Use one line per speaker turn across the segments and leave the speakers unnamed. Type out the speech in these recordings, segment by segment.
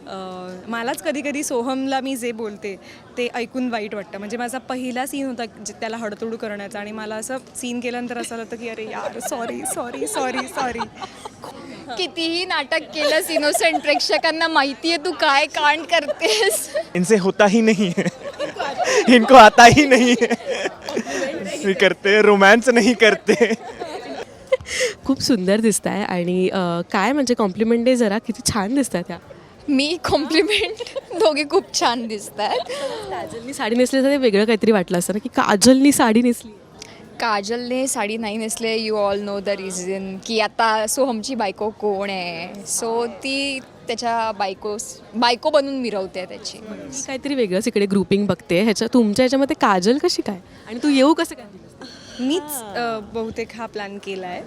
मलाच कधी कधी सोहमला मी जे बोलते ते ऐकून वाईट वाटतं. म्हणजे माझा पहिला सीन होता त्याला हडतोड करण्याचा आणि मला असं सीन केल्यानंतर असं होतं की अरे यार सॉरी सॉरी सॉरी सॉरी.
कितीही नाटक केलंस इनोसेंट, प्रेक्षकांना माहितीये तू काय कांड करतेस.
इनसे होता ही नहीं है, इनको आता ही नहीं है, नहीं करते, रोमांस नहीं करते.
खूप सुंदर दिसत आहे आणि काय म्हणजे कॉम्प्लिमेंट दे जरा, किती छान दिसतात त्या.
मी कॉम्प्लिमेंट, दोघे खूप छान दिसत आहेत.
काजलनी साडी नेसली तर ते वेगळं काहीतरी वाटलं असतं ना, की काजलनी साडी नेसली.
काजलने साडी नाही नेसले, you all know the reason, की आता सोहमची बायको कोण आहे. सो ती त्याच्या बायको बनून मिरवते त्याची.
मी काहीतरी वेगळंच इकडे ग्रुपिंग बघते तुमच्या ह्याच्यामध्ये काजल कशी काय आणि तू येऊ कसं काय दिलंस?
मीच बहुतेक हा प्लॅन केला आहे.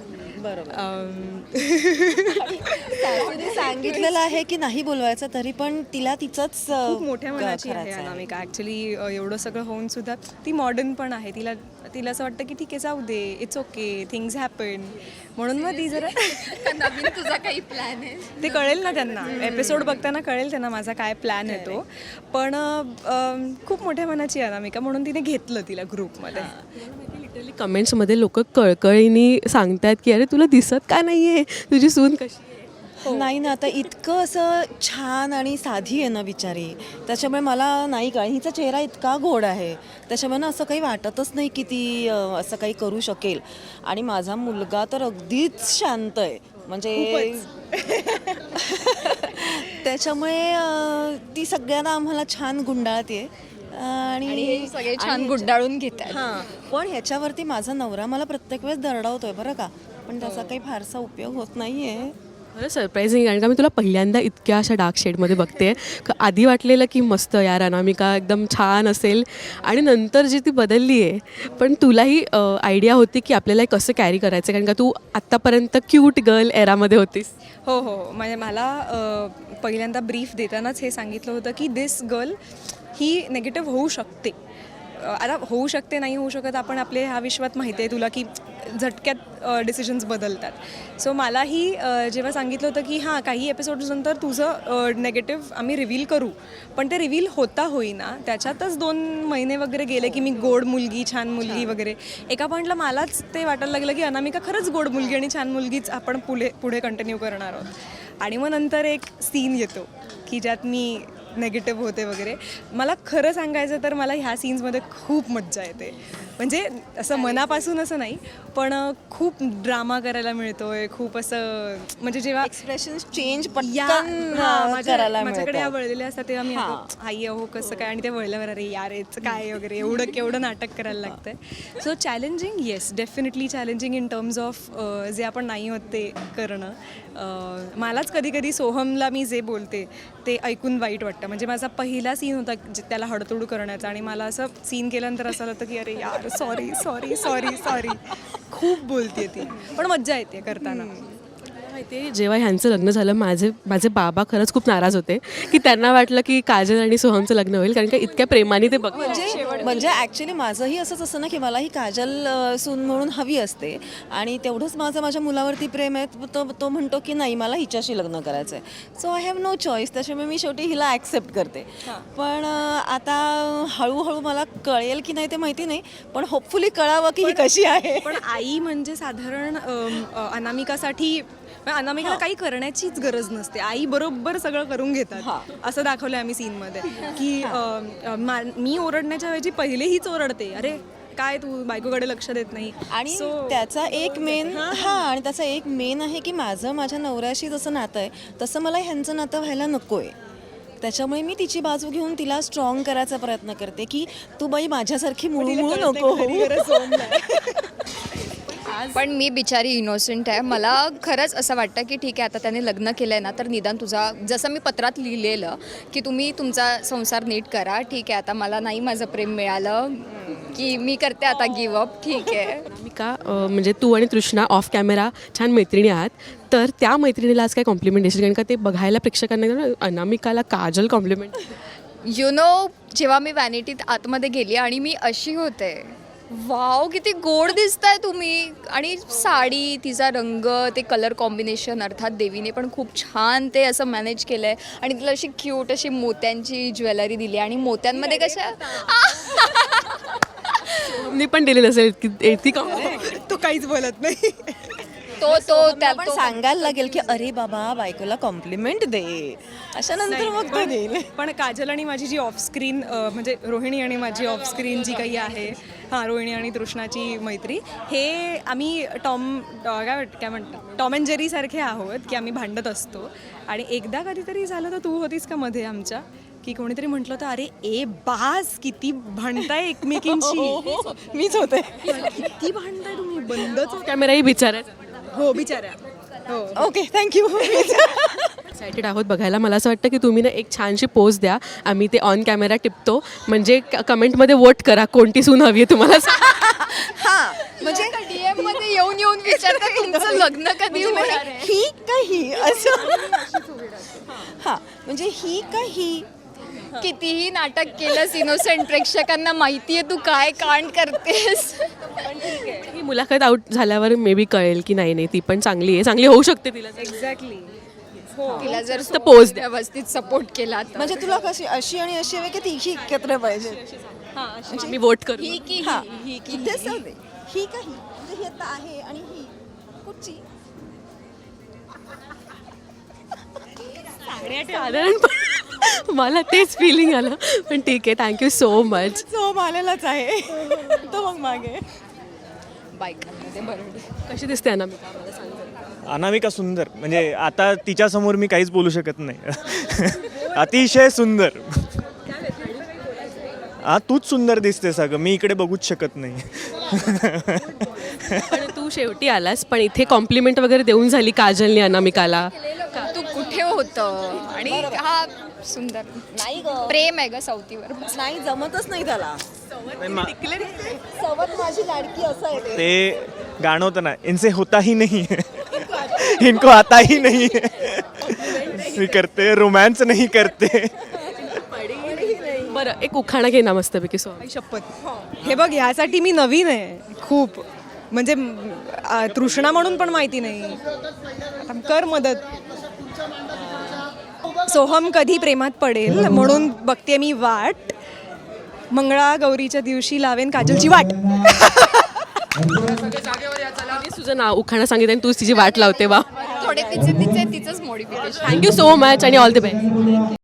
तिने सांगितलेलं आहे की नाही बोलवायचं, तरी पण तिला तिचंच
खूप मोठ्या मनाची आहे
करायचं आहे.
अनामिका. ॲक्च्युली एवढं सगळं होऊन सुद्धा ती मॉडर्न पण आहे. तिला असं वाटतं की ठीक आहे जाऊ दे, इट्स ओके, थिंग्स हॅपन. म्हणून मग ती जरा
नवीन तुझा काही प्लॅन आहे?
ते कळेल ना त्यांना, एपिसोड बघताना कळेल त्यांना माझा काय प्लॅन आहे तो. पण खूप मोठ्या मनाची आहे अनामिका, म्हणून तिने घेतलं तिला ग्रुपमध्ये.
लिटरली कमेंट्समध्ये लोक कळकळीने सांगतात की अरे तुला दिसत का नाही आहे, तुझी सून कशी आहे.
नाही ना, आता इतकं असं छान आणि साधी आहे ना बिचारी, त्याच्यामुळे मला नाही कळ. हिचा चेहरा इतका गोड आहे, त्याच्यामुळे ना असं काही वाटतच नाही की ती असं काही करू शकेल. आणि माझा मुलगा तर अगदीच शांत आहे, म्हणजे त्याच्यामुळे ती सगळ्यांना आम्हाला छान गुंडाळते
आणि सगळे छान गुंडाळून घेतात.
हां, पण ह्याच्यावरती माझा नवरा मला प्रत्येक वेळेस दरडावतोय बरं का, पण त्याचा काही फारसा उपयोग होत नाही आहे.
खरं सरप्राईझिंग, कारण का मी तुला पहिल्यांदा इतक्या अशा डार्क शेडमध्ये बघते. आधी वाटलेलं की मस्त यार अनामिका एकदम छान असेल आणि नंतर जी ती बदलली आहे. पण तुलाही आयडिया होती की आपल्याला कसं कॅरी करायचं, कारण का तू आत्तापर्यंत क्यूट गर्ल एरामध्ये होतीस.
हो हो, म्हणजे मला पहिल्यांदा ब्रीफ देतानाच हे सांगितलं होतं की दिस गर्ल ही नेगेटिव्ह होऊ शकते. आता होऊ शकते नाही होऊ शकत, आपण आपले ह्या विश्वात माहिती आहे तुला की झटक्यात डिसिजन्स बदलतात. सो मलाही जेव्हा सांगितलं होतं की हां काही एपिसोड्सनंतर तुझं नेगेटिव्ह आम्ही रिव्हील करू, पण ते रिव्हील होता होईना त्याच्यातच 2 महिने वगैरे गेले की मी गोड मुलगी छान मुलगी वगैरे. एका पॉईंटला मलाच ते वाटायला लागलं की अनामिका खरंच गोड मुलगी आणि छान मुलगीच आपण पुढे कंटिन्यू करणार आहोत. आणि मग नंतर एक सीन येतो की ज्यात मी नेगेटिव्ह होते वगैरे. मला खरं सांगायचं तर मला ह्या सीन्समध्ये खूप मज्जा येते. म्हणजे असं मनापासून असं नाही, पण खूप ड्रामा करायला मिळतोय. खूप असं म्हणजे जेव्हा
एक्सप्रेशन चेंज
या
पटकन करायला
माझ्याकडे या
मिळतात.
वळलेल्या असतात तेव्हा मी आई अहो कसं काय, आणि ते वळल्यावर अरे यार याचं काय वगैरे केवढं नाटक करायला लागतंय. So challenging, yes definitely challenging in terms of जे आपण नाही होत ते करणं. मलाच कधी कधी सोहमला मी जे बोलते ते ऐकून वाईट वाटतं. म्हणजे माझा पहिला सीन होता त्याला हडतोड करण्याचा आणि मला असं सीन केल्यानंतर असं होतं की अरे यार सॉरी सॉरी सॉरी सॉरी. खूप बोलते ती, पण मज्जा येते करताना.
माहिती आहे, जेव्हा ह्यांचं लग्न झालं माझे बाबा खरंच खूप नाराज होते की त्यांना वाटलं की काजल आणि सोहमचं लग्न होईल, कारण का इतक्या प्रेमाने ते बघ.
म्हणजे ॲक्च्युली माझंही असंच असतं ना की मलाही काजल सून म्हणून हवी असते, आणि तेवढंच माझ्या मुलावरती प्रेम आहे. तो म्हणतो की नाही मला हिच्याशी लग्न करायचं आहे. So I have no choice, त्याच्यामुळे मी शेवटी हिला ॲक्सेप्ट करते. पण आता हळूहळू मला कळेल की नाही ते माहिती नाही, पण होपफुली कळावं की ही कशी आहे.
पण आई म्हणजे साधारण अनामिकासाठी अनामिकाला काही करण्याचीच गरज नसते. आई बरोबर सगळं करून घेतात असं दाखवलं आम्ही सीनमध्ये की मी ओरडण्याच्या ऐवजी पहिले हीच ओरडते, अरे काय तू बायकोकडे लक्ष देत नाही.
आणि त्याचा एक मेन आहे की माझ्या नवऱ्याशी जसं नातं आहे तसं मला ह्यांचं नातं व्हायला नको आहे. त्याच्यामुळे मी तिची बाजू घेऊन तिला स्ट्रॉंग करायचा प्रयत्न करते की तू बाई माझ्यासारखी मुळमुळ नको होऊ.
पण मी बिचारी इनोसेंट आहे. मला खरंच असं वाटतं की ठीक आहे आता त्याने लग्न केलं आहे ना, तर निदान तुझा जसं मी पत्रात लिहिलेलं की तुम्ही तुमचा संसार नीट करा. ठीक आहे आता मला नाही माझं प्रेम मिळालं की मी करते आता गिवअप. ठीक आहे.
अनामिका म्हणजे तू आणि तृष्णा ऑफ कॅमेरा छान मैत्रिणी आहात, तर त्या मैत्रिणीला आज काय कॉम्प्लिमेंट देशील, कारण का ते बघायला प्रेक्षकांना अनामिकाला काजल कॉम्प्लिमेंट.
यु नो जेव्हा मी वॅनिटीत आतमध्ये गेली आणि मी अशी होते वाव किती गोड दिसताय तुम्ही. आणि साडी, तिचा रंग, ते कलर कॉम्बिनेशन, अर्थात देवीने पण खूप छान ते असं मॅनेज केलं आहे. आणि तिला अशी क्यूट अशी मोत्यांची ज्वेलरी दिली आणि मोत्यांमध्ये कशा
मी पण दिली नसेल की ती का
तो काहीच बोलत नाही.
तो
पण सांगायला लागेल की अरे बाबा बायकोला कॉम्प्लिमेंट दे, अशा नंतर मग तो देईल.
पण काजल आणि माझी जी ऑफस्क्रीन म्हणजे रोहिणी आणि माझी ऑफस्क्रीन जी काही आहे, हां रोहिणी आणि तृष्णाची मैत्री, हे आम्ही काय म्हणतात टॉम अँड जेरी सारखे आहोत की आम्ही भांडत असतो. आणि एकदा कधीतरी झालं तर तू होतीस का मध्ये आमच्या, की कोणीतरी म्हटलं होतं अरे ए बास किती भांडताय एकमेकींशी.
मीच होते.
किती भांडताय तुम्ही, बंदच.
कॅमेराही विचारायचा.
हो बिचाऱ्या. हो
ओके थँक्यू.
एक्सायटेड आहोत बघायला. मला असं वाटतं की तुम्ही ना एक छानशी पोज द्या, आम्ही ते ऑन कॅमेरा टिपतो, म्हणजे कमेंटमध्ये वोट करा कोणती सून हवी आहे तुम्हाला.
हां म्हणजे
DM मध्ये येऊन विचारतात तुमचं लग्न कधी होणार आहे.
ही का ही असं. हां म्हणजे ही का ही.
कितीही नाटक केलंस इनोसेंट, प्रेक्षकांना माहितीये तू काय कांड करतेस.
ही मुलाखत आउट झाल्यावर मे बी कळेल की नाही ती पण चांगली आहे, चांगली होऊ शकते तिला.
एक्झॅक्टली.
तिला जर
तर पोज द्या.
व्यवस्थित सपोर्ट केला तर.
म्हणजे तुला कशी अशी आणि अशी हवी की तिघी एकत्र पाहिजे.
मी वोट करू.
ही की
हां
ही की
इथेच जाऊ दे. ही का ही म्हणजे ही आता आहे आणि ही कुठची.
साधारण मला तेच फिलिंग आलं, पण ठीक आहे. Thank you so much.
जो आलेलाच आहे तो मग मागे.
बायकांमध्ये बरोबर.
कशी दिसते अनामिका, मला सांग जरा.
अनामिका सुंदर, म्हणजे आता तिच्यासमोर मी काहीच बोलू शकत नाही. अतिशय सुंदर. तूच सुंदर दिसतेस अगं, मी इकडे बघूच शकत नाही.
पण तू शेवटी आलास, पण इथे कॉम्प्लिमेंट वगैरे देऊन झाली काजलने अनामिकाला.
तू कुठे होतं आणि हा सुंदर
नाही ग,
प्रेम आहे ग सवतीवर.
नाही जमतच नाही त्याला.
नाही, मा-
सवत माझी लाडकी असं आहे ते.
ते गाणं होतं ना, इनसे होता ही नहीं है, इनको आता ही नहीं है, मी करते रोमॅन्स नाही करते.
बरं एक उखाणा घे ना मस्तपैकी. सो
आई शपथ. हे बघ ह्यासाठी मी नवीन आहे खूप, म्हणजे तृष्णा म्हणून पण माहिती नाही. आता कर मदत. सोहम कधी प्रेमात पडेल म्हणून बघते मी वाट, मंगळागौरीच्या दिवशी लावेन काजलची वाट.
तुझं नाव उखाणा सांगितलं आणि तूच तिची वाट लावते. वा,
थोडे तिचंच मॉडिफिकेशन.
थँक्यू सो मच आणि ऑल द बेस्ट.